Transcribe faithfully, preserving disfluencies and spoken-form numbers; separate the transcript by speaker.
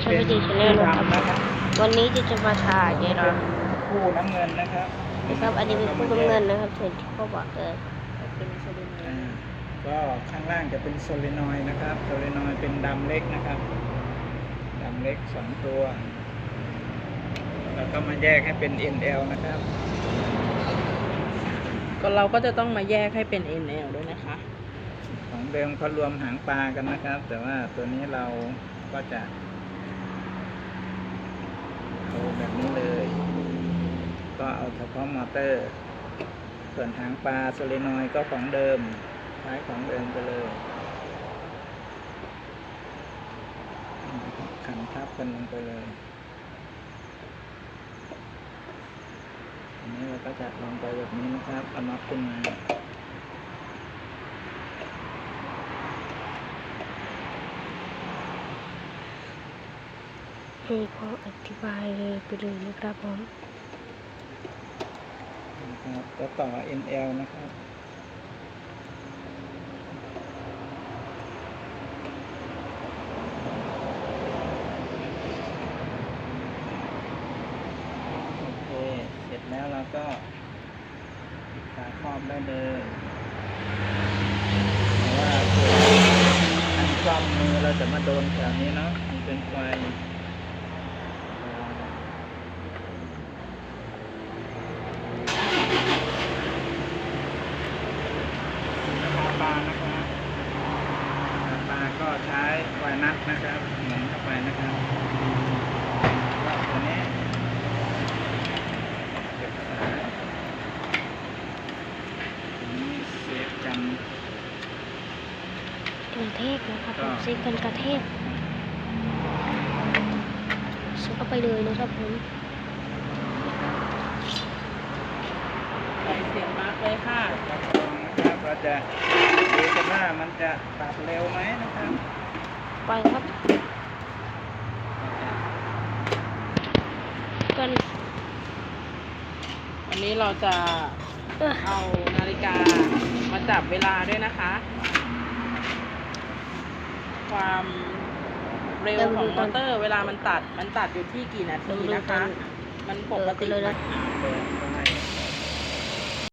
Speaker 1: ช่องพิธีชาแนลนะครับวันนี้จะจะมาถ่ายไงเนาะ
Speaker 2: คู่น้ำเงินนะครับ
Speaker 1: นะครับอันนี้เป็นคู่น้ำเงินนะครับส่วนที่เขาบอกเลยเป็นโซลินอยด์
Speaker 2: ก็ข้างล่างจะเป็นโซลินอยด์นะครับโซลินอยด์เป็นดำเล็กนะครับดำเล็กสองตัวแล้วก็มาแยกให้เป็น เอ็น แอล นะครับ
Speaker 3: ก็เราก็จะต้องมาแยกให้เป็น เอ็น แอล ด้วยนะคะ
Speaker 2: ของเดิมเขารวมหางปลากันนะครับ แต่ว่าตัวนี้เราก็จะเอาแบบนี้เลยก็เอาเฉพาะมอเตอร์ส่วนหางปลาโซลินอยด์ก็ของเดิมใช้ของเดิมไปเลยขันทับกันลงไปเลยอันนี้เราก็จะลงไปแบบนี้นะครับเอาน็อตขึ้นมา
Speaker 1: ให้เขาอธิบายเลยไปเลยนะครับผม
Speaker 2: นะครับก็ต่อ เอ็น แอล นะครับโอเคเสร็จแล้วเราก็ปิดฝาครอบได้เลยเพราะว่าตัวอันซ่อมมือเราจะมาโดนแถวนี้เนาะมันเป็นไฟปลานะครับปลาก็ใช้ไวนัทนะครับหมุนเข้าไปนะครับก็ตัวนี้เก็บสายนี้เซฟกัน
Speaker 1: กระเทกนะครับผมเซ็กกันกระเทกซื้อเข้าไปเลยนะครับผม
Speaker 3: ใส่เสียงมากเลยค่ะ
Speaker 2: นะครับเราจะดูกันว่ามันจะตัดเร็วไหมนะครับ
Speaker 1: ไปครับกัน
Speaker 3: วันนี้เราจะเอานาฬิกามาจับเวลาด้วยนะคะ ความเร็วของมอเตอร์เวลามันตัดมันตัดอยู่ที่กี่นาทีนะคะมันปกติ
Speaker 1: เลยนะ
Speaker 2: เปิดไฟ